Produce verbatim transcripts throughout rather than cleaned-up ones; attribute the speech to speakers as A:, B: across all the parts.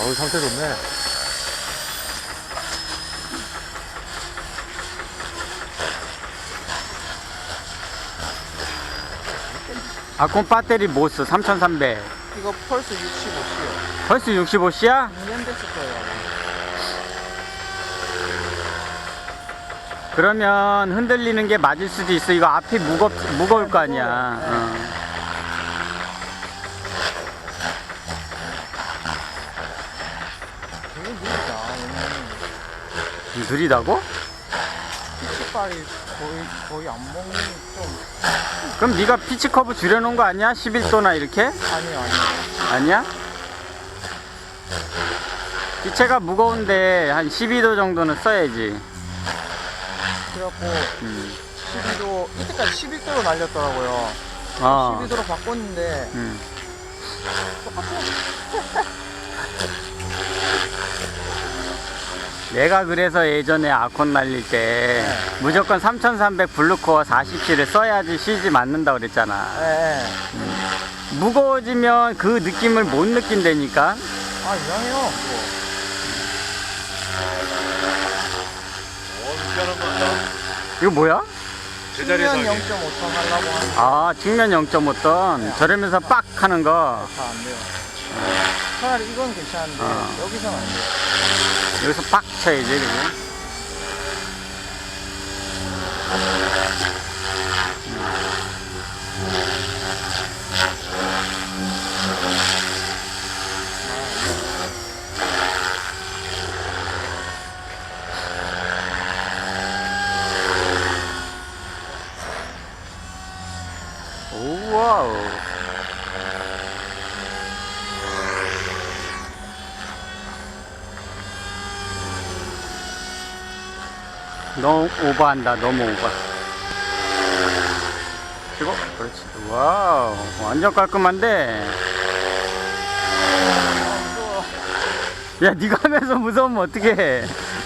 A: 어우, 상태 좋네.
B: 아콘 배터리 뭐 써? 삼천삼백.
C: 이거 펄스 육십오 씨요.
B: 벌써 육십오 씨야?
C: 이 년 됐을 거예요.
B: 그러면 흔들리는 게 맞을 수도 있어. 이거 앞이 무겁, 무거울 거 아니야.
C: 네.
B: 어.
C: 되게 느리다. 얘는
B: 느리다고?
C: 피치발이 거의 거의 안 먹는 좀
B: 그럼 네가 피치 커브 줄여놓은 거 아니야? 십일 도나 이렇게?
C: 아니요 아니요.
B: 아니야? 기체가 무거운데 한 십이 도 정도는 써야지.
C: 그래갖고
B: 음.
C: 십이 도 이때까지 십일 도로 날렸더라고요.
B: 어.
C: 십이 도로 바꿨는데
B: 음.
C: 똑같아.
B: 내가 그래서 예전에 아콘 날릴 때
C: 네.
B: 무조건 삼천삼백 블루코어 사십 씨를 써야지 시지 맞는다 그랬잖아.
C: 네.
B: 무거워지면 그 느낌을 못 느낀다니까.
C: 아 이상해요. 뭐.
A: 어, 미안한 거 같다.
B: 이거 뭐야?
A: 제자리에서
C: 측면
A: 하기.
C: 영 점 오 톤 하려고 하는데
B: 아, 측면 영 점 오 톤. 저러면서 빡 하는 거.
C: 다 안 돼요. 차라리 이건 괜찮은데
B: 어.
C: 여기서는 안 돼요.
B: 여기서 빡 쳐야지, 그지? 오와우. 너무 오버한다. 너무 오버. 그리고 그렇지. 와우, 완전 깔끔한데. 야, 네가 하면서 무서우면 어떡해.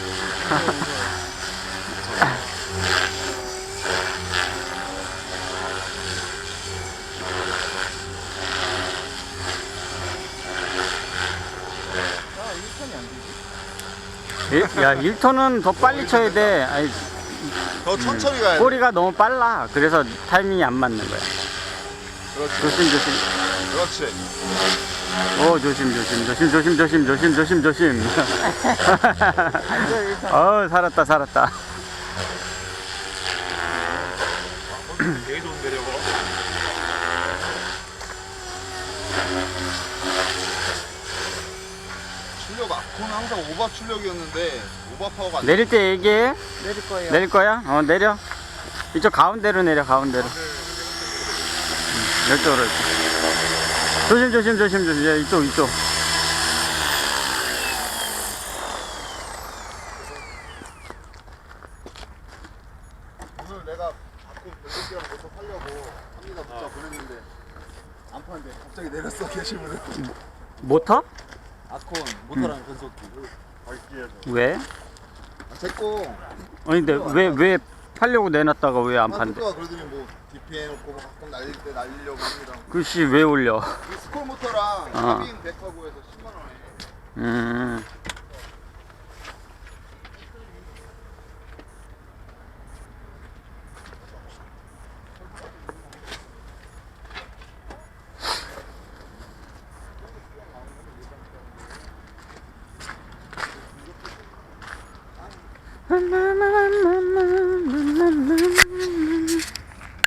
C: 아 일 톤이 안 되지.
B: 일- 야, 일 톤은 더 빨리 쳐야 돼. 아니,
A: 더 천천히 가야 돼.
B: 꼬리가 너무 빨라. 그래서 타이밍이 안 맞는 거야.
A: 그렇지.
B: 조심, 조심.
A: 그렇지.
B: 오, 조심, 조심, 조심, 조심, 조심, 조심, 조심, 조심.
C: 완전 일 톤.
B: 어, 살았다, 살았다.
A: 되게 좋은데, 저거. 출력 아콘은 항상 오버 출력이었는데 오버 파워가 안
B: 내릴 때 얘기해.
C: 내릴 거예요.
B: 내릴 거야? 어, 내려. 이쪽 가운데로 내려, 가운데로. 응, 이쪽으로. 이렇게. 조심, 조심, 조심, 조심. 야, 이쪽, 이쪽.
A: 오늘 내가 아콘 별도기랑 모터 팔려고 합니다 문자 보냈는데 안 파는데 갑자기 내렸어 게시물을.
B: 모터?
A: 아콘 모터랑 변속기. 밝기에서.
B: 왜?
A: 제거
B: 아니, 근데 왜, 왜 팔려고 내놨다가 왜 안 판대?
A: 파트가 그러더니 뭐 디피해 놓고 뭐 가끔 날릴 때 날리려고 합니다.
B: 글씨, 왜 올려?
A: 이 스콜 모터랑
B: 어.
A: 카빈 백하고에서 십만 원에.
B: 음.